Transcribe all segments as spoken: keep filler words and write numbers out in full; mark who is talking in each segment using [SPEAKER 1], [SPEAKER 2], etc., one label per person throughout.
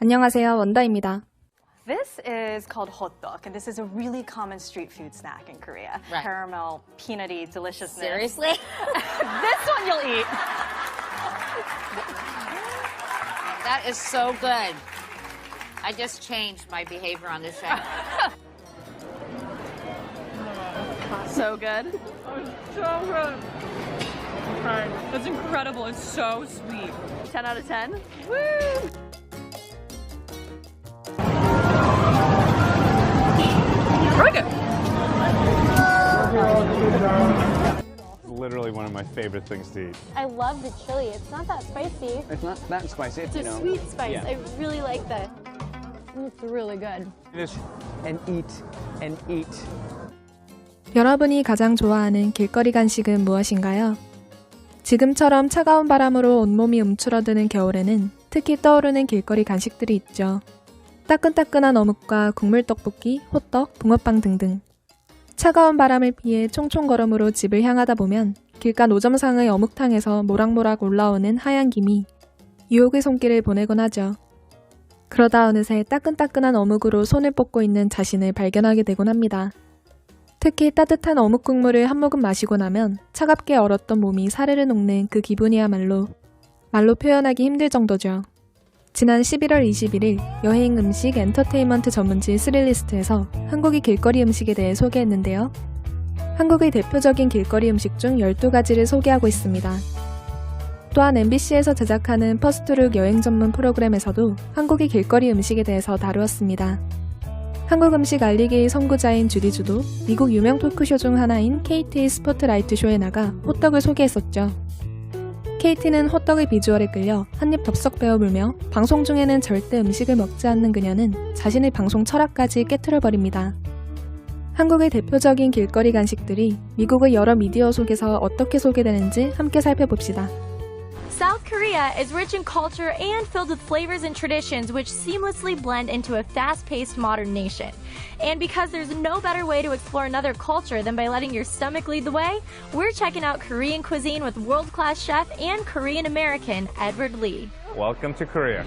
[SPEAKER 1] 안녕하세요, 원다입니다.
[SPEAKER 2] This is called hotteok, and this is a really common street food snack in Korea.
[SPEAKER 3] Right.
[SPEAKER 2] Caramel, peanutty deliciousness.
[SPEAKER 3] Seriously?
[SPEAKER 2] This one you'll eat.
[SPEAKER 3] That is so good. I just changed my behavior on this show.
[SPEAKER 2] So good.
[SPEAKER 4] So good. Okay. That's incredible. It's so sweet.
[SPEAKER 2] ten out of ten. Woo!
[SPEAKER 4] Really good.
[SPEAKER 5] Literally one of my favorite things to eat.
[SPEAKER 6] I love the chili. It's not that spicy.
[SPEAKER 7] It's not that spicy.
[SPEAKER 6] It's
[SPEAKER 7] you
[SPEAKER 6] a
[SPEAKER 7] know.
[SPEAKER 6] sweet spice.
[SPEAKER 7] Yeah.
[SPEAKER 6] I really like that. It's really good.
[SPEAKER 5] Just
[SPEAKER 7] And eat and eat.
[SPEAKER 1] 여러분이 가장 좋아하는 길거리 간식은 무엇인가요? 지금처럼 차가운 바람으로 온몸이 움츠러드는 겨울에는 특히 떠오르는 길거리 간식들이 있죠. 따끈따끈한 어묵과 국물 떡볶이, 호떡, 붕어빵 등등. 차가운 바람을 피해 총총걸음으로 집을 향하다 보면 길가 노점상의 어묵탕에서 모락모락 올라오는 하얀 김이 유혹의 손길을 보내곤 하죠. 그러다 어느새 따끈따끈한 어묵으로 손을 뻗고 있는 자신을 발견하게 되곤 합니다. 특히 따뜻한 어묵 국물을 한 모금 마시고 나면 차갑게 얼었던 몸이 사르르 녹는 그 기분이야말로 말로 표현하기 힘들 정도죠. 지난 십일월 이십일일 여행 음식 엔터테인먼트 전문지 스릴리스트에서 한국의 길거리 음식에 대해 소개했는데요. 한국의 대표적인 길거리 음식 중 열두 가지를 소개하고 있습니다. 또한 엠비씨에서 제작하는 퍼스트룩 여행 전문 프로그램에서도 한국의 길거리 음식에 대해서 다루었습니다. 한국 음식 알리기의 선구자인 주디주도 미국 유명 토크쇼 중 하나인 케이티의 스포트라이트 쇼에 나가 호떡을 소개했었죠. 케이티는 호떡의 비주얼에 끌려 한입 덥석 베어물며 방송 중에는 절대 음식을 먹지 않는 그녀는 자신의 방송 철학까지 깨트려버립니다. 한국의 대표적인 길거리 간식들이 미국의 여러 미디어 속에서 어떻게 소개되는지 함께 살펴봅시다.
[SPEAKER 6] South Korea is rich in culture and filled with flavors and traditions which seamlessly blend into a fast-paced modern nation. And because there's no better way to explore another culture than by letting your stomach lead the way, we're checking out Korean cuisine with world-class chef and Korean-American Edward Lee.
[SPEAKER 5] welcome to Korea.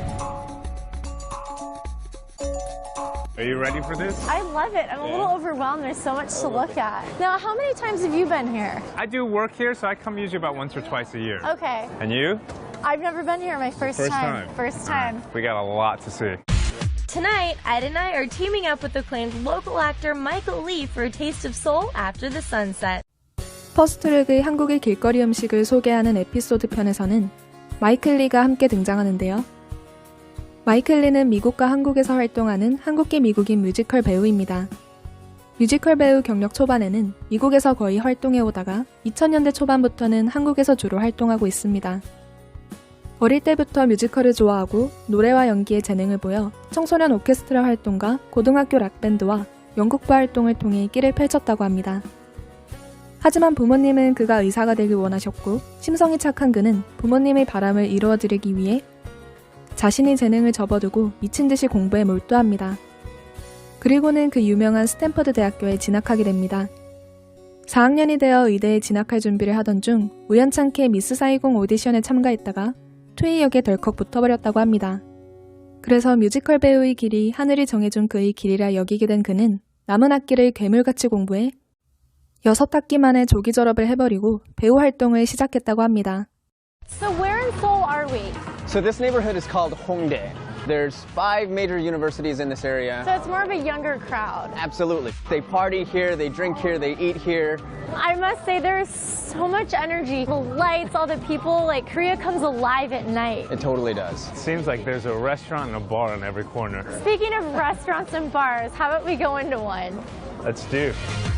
[SPEAKER 5] Are you ready for this?
[SPEAKER 6] I love it. I'm a little overwhelmed. There's so much to look at. Now, how many times have you been here?
[SPEAKER 5] I do work here, so I come usually about once or twice a year.
[SPEAKER 6] Okay.
[SPEAKER 5] And you?
[SPEAKER 6] I've never been here. My first,
[SPEAKER 5] First
[SPEAKER 6] time.
[SPEAKER 5] time.
[SPEAKER 6] First
[SPEAKER 5] All right.
[SPEAKER 6] time.
[SPEAKER 5] We got a lot to see.
[SPEAKER 6] Tonight, Ed and I are teaming up with acclaimed local actor Michael Lee for a taste of Seoul after the sunset.
[SPEAKER 1] 퍼스트룩의 한국의 길거리 음식을 소개하는 에피소드 편에서는 마이클 리가 함께 등장하는데요. 마이클 리는 미국과 한국에서 활동하는 한국계 미국인 뮤지컬 배우입니다. 뮤지컬 배우 경력 초반에는 미국에서 거의 활동해오다가 이천 년대 초반부터는 한국에서 주로 활동하고 있습니다. 어릴 때부터 뮤지컬을 좋아하고 노래와 연기에 재능을 보여 청소년 오케스트라 활동과 고등학교 락밴드와 연극부 활동을 통해 끼를 펼쳤다고 합니다. 하지만 부모님은 그가 의사가 되길 원하셨고 심성이 착한 그는 부모님의 바람을 이루어드리기 위해 자신의 재능을 접어두고 미친 듯이 공부에 몰두합니다. 그리고는 그 유명한 스탠퍼드 대학교에 진학하게 됩니다. 사 학년이 되어 의대에 진학할 준비를 하던 중 우연찮게 미스 사이공 오디션에 참가했다가 투이역에 덜컥 붙어버렸다고 합니다. 그래서 뮤지컬 배우의 길이 하늘이 정해준 그의 길이라 여기게 된 그는 남은 학기를 괴물같이 공부해 여섯 학기 만에 조기 졸업을 해버리고 배우 활동을 시작했다고 합니다.
[SPEAKER 6] So where in Seoul are we?
[SPEAKER 7] So this neighborhood is called Hongdae. There's five major universities in this area.
[SPEAKER 6] So it's more of a younger crowd.
[SPEAKER 7] Absolutely. They party here, they drink here, they eat here.
[SPEAKER 6] I must say there's so much energy. The lights, all the people, like Korea comes alive at night.
[SPEAKER 7] It totally does.
[SPEAKER 5] It seems like there's a restaurant and a bar on every corner.
[SPEAKER 6] Speaking of restaurants and bars, how about we go into one?
[SPEAKER 5] Let's do.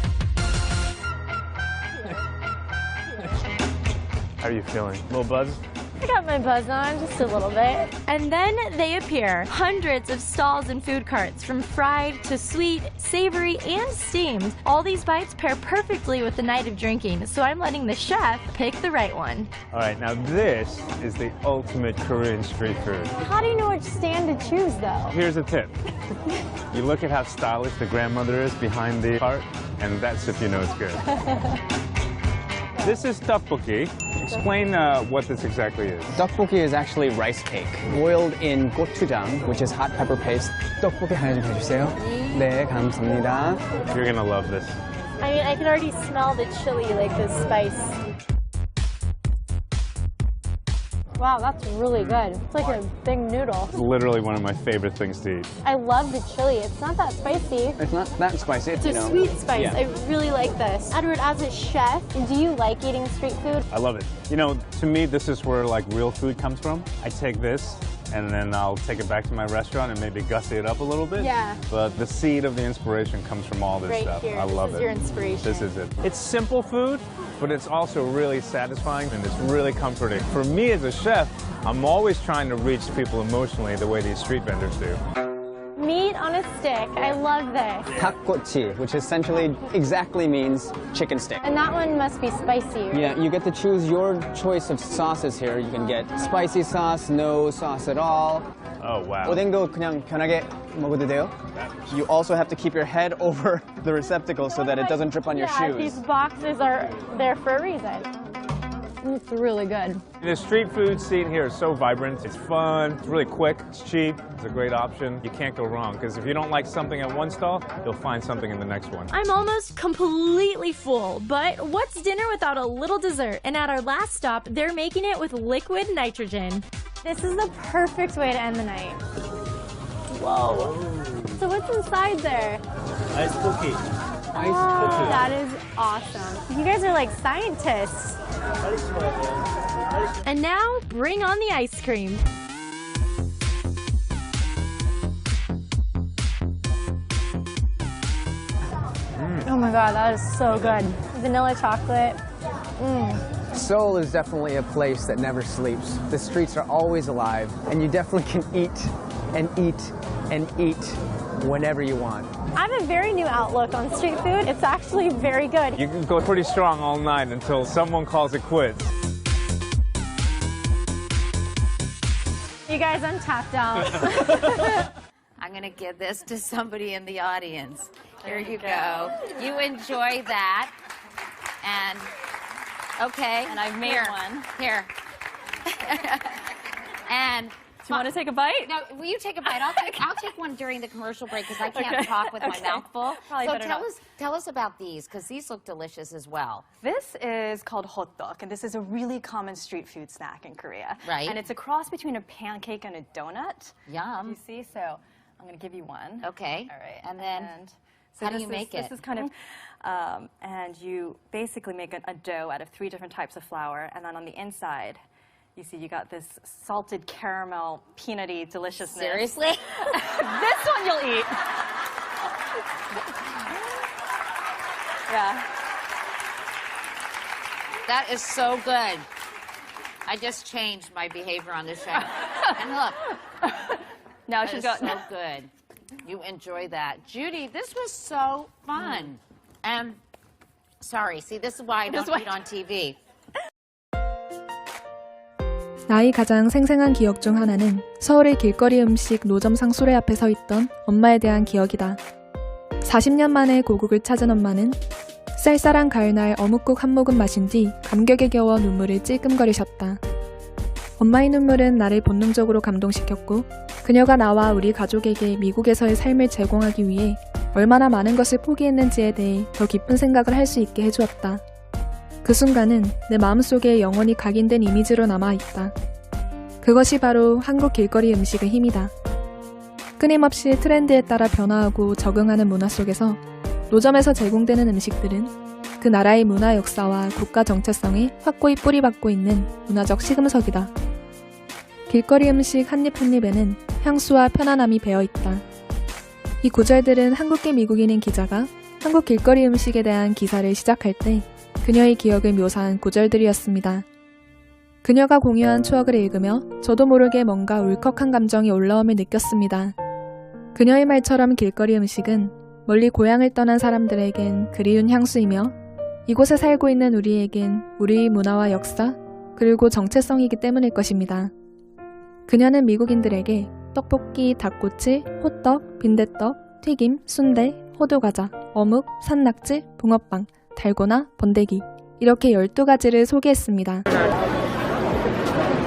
[SPEAKER 5] How are you feeling? A little buzz?
[SPEAKER 6] I got my buzz on, just a little bit. And then they appear. Hundreds of stalls and food carts, from fried to sweet, savory, and steamed. All these bites pair perfectly with the night of drinking, so I'm letting the chef pick the right one.
[SPEAKER 5] All right, now this is the ultimate Korean street food.
[SPEAKER 6] How do you know which stand to choose, though?
[SPEAKER 5] Here's a tip. You look at how stylish the grandmother is behind the cart, and that's if you know it's good. This is tteokbokki. Explain uh, what this exactly is.
[SPEAKER 7] Tteokbokki is actually rice cake boiled in gochujang, which is hot pepper paste. 떡볶이 하나 좀 해주세요. 네, 감사합니다.
[SPEAKER 5] You're gonna love this.
[SPEAKER 6] I mean, I can already smell the chili, like the spice. Wow, that's really good. It's like a big noodle.
[SPEAKER 5] It's literally one of my favorite things to eat.
[SPEAKER 6] I love the chili. It's not that spicy.
[SPEAKER 7] It's not that spicy.
[SPEAKER 6] It's
[SPEAKER 7] you
[SPEAKER 6] a
[SPEAKER 7] know.
[SPEAKER 6] sweet spice.
[SPEAKER 7] Yeah.
[SPEAKER 6] I really like this. Edward, as a chef, do you like eating street food?
[SPEAKER 5] I love it. You know, to me, this is where like real food comes from. I take this and then I'll take it back to my restaurant and maybe gussy it up a little bit.
[SPEAKER 6] Yeah.
[SPEAKER 5] But the seed of the inspiration comes from all this
[SPEAKER 6] Right
[SPEAKER 5] stuff.
[SPEAKER 6] here.
[SPEAKER 5] I
[SPEAKER 6] This
[SPEAKER 5] love
[SPEAKER 6] is
[SPEAKER 5] it.
[SPEAKER 6] your inspiration.
[SPEAKER 5] This is it. It's simple food, but it's also really satisfying and it's really comforting. For me as a chef, I'm always trying to reach people emotionally the way these street vendors do.
[SPEAKER 6] Meat on a stick. I love this.
[SPEAKER 7] 닭꼬치, which essentially exactly means chicken stick.
[SPEAKER 6] And that one must be spicy.
[SPEAKER 7] Yeah, you get to choose your choice of sauces here. You can get spicy sauce, no sauce at all.
[SPEAKER 5] Oh, wow.
[SPEAKER 7] 오뎅도 그냥 편하게 먹어도 돼요. You also have to keep your head over the receptacle so that it doesn't drip on your
[SPEAKER 6] yeah,
[SPEAKER 7] shoes.
[SPEAKER 6] These boxes are there for a reason. It's really good.
[SPEAKER 5] The street food scene here is so vibrant. It's fun, it's really quick, it's cheap, it's a great option. You can't go wrong, because if you don't like something at one stall, you'll find something in the next one.
[SPEAKER 6] I'm almost completely full, but what's dinner without a little dessert? And at our last stop, they're making it with liquid nitrogen. This is the perfect way to end the night. Whoa. So what's inside there?
[SPEAKER 8] Ice cookie.
[SPEAKER 6] Oh, that is awesome. You guys are like scientists. And now, bring on the ice cream. Mm. Oh my god, that is so good. Vanilla chocolate. Mm.
[SPEAKER 7] Seoul is definitely a place that never sleeps. The streets are always alive, and you definitely can eat and eat and eat whenever you want.
[SPEAKER 6] I have a very new outlook on street food. It's actually very good.
[SPEAKER 5] You can go pretty strong all night until someone calls it quits.
[SPEAKER 6] You guys, I'm tapped out.
[SPEAKER 3] I'm going to give this to somebody in the audience. Here you go. You enjoy that. And, okay.
[SPEAKER 2] And I've made
[SPEAKER 3] here,
[SPEAKER 2] one.
[SPEAKER 3] Here. And
[SPEAKER 4] Do you want to take a bite?
[SPEAKER 3] no, will you take a bite? I'll take, I'll take one during the commercial break because I can't
[SPEAKER 4] Okay.
[SPEAKER 3] talk with
[SPEAKER 4] Okay.
[SPEAKER 3] my mouth full.
[SPEAKER 2] Probably
[SPEAKER 3] so
[SPEAKER 2] better
[SPEAKER 3] tell
[SPEAKER 2] not.
[SPEAKER 3] us, tell us about these because these look delicious as well.
[SPEAKER 2] This is called hotdog, and this is a really common street food snack in Korea.
[SPEAKER 3] Right.
[SPEAKER 2] And it's a cross between a pancake and a donut.
[SPEAKER 3] Yum.
[SPEAKER 2] You see? So I'm going to give you one.
[SPEAKER 3] Okay.
[SPEAKER 2] All right.
[SPEAKER 3] And then
[SPEAKER 2] so
[SPEAKER 3] how do
[SPEAKER 2] this
[SPEAKER 3] you
[SPEAKER 2] is-
[SPEAKER 3] make it?
[SPEAKER 2] This is kind of, um, and you basically make a, a dough out of three different types of flour, and then on the inside, you see you got this salted caramel, peanutty deliciousness.
[SPEAKER 3] Seriously?
[SPEAKER 2] This one you'll eat. Yeah.
[SPEAKER 3] That is so good. I just changed my behavior on the show. And look,
[SPEAKER 2] Now
[SPEAKER 3] that
[SPEAKER 2] she's
[SPEAKER 3] is
[SPEAKER 2] got.
[SPEAKER 3] so good. You enjoy that. Judy, this was so fun. And sorry, see, this is why I don't
[SPEAKER 2] This is why-
[SPEAKER 3] eat on T V.
[SPEAKER 1] 나의 가장 생생한 기억 중 하나는 서울의 길거리 음식 노점 상수레 앞에 서 있던 엄마에 대한 기억이다. 사십 년 만에 고국을 찾은 엄마는 쌀쌀한 가을날 어묵국 한 모금 마신 뒤 감격에 겨워 눈물을 찔끔거리셨다. 엄마의 눈물은 나를 본능적으로 감동시켰고 그녀가 나와 우리 가족에게 미국에서의 삶을 제공하기 위해 얼마나 많은 것을 포기했는지에 대해 더 깊은 생각을 할 수 있게 해주었다. 그 순간은 내 마음속에 영원히 각인된 이미지로 남아있다. 그것이 바로 한국 길거리 음식의 힘이다. 끊임없이 트렌드에 따라 변화하고 적응하는 문화 속에서 노점에서 제공되는 음식들은 그 나라의 문화 역사와 국가 정체성에 확고히 뿌리박고 있는 문화적 시금석이다. 길거리 음식 한입 한입에는 향수와 편안함이 배어있다. 이 구절들은 한국계 미국인인 기자가 한국 길거리 음식에 대한 기사를 시작할 때 그녀의 기억을 묘사한 구절들이었습니다. 그녀가 공유한 추억을 읽으며 저도 모르게 뭔가 울컥한 감정이 올라옴을 느꼈습니다. 그녀의 말처럼 길거리 음식은 멀리 고향을 떠난 사람들에겐 그리운 향수이며 이곳에 살고 있는 우리에겐 우리의 문화와 역사 그리고 정체성이기 때문일 것입니다. 그녀는 미국인들에게 떡볶이, 닭꼬치, 호떡, 빈대떡, 튀김, 순대, 호두과자, 어묵, 산낙지, 붕어빵, 달고나, 번데기 이렇게 열두 가지를 소개했습니다.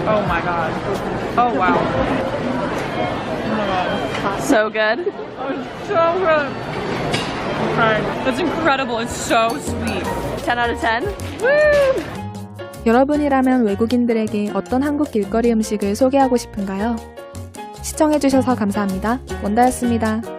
[SPEAKER 4] Oh my god. Oh wow. Oh my god.
[SPEAKER 2] So good.
[SPEAKER 4] Oh, it's so good. Okay. That's incredible. It's so sweet.
[SPEAKER 2] ten out of ten.
[SPEAKER 4] Woo!
[SPEAKER 1] 여러분이라면 외국인들에게 어떤 한국 길거리 음식을 소개하고 싶은가요? 시청해주셔서 감사합니다. 원다였습니다.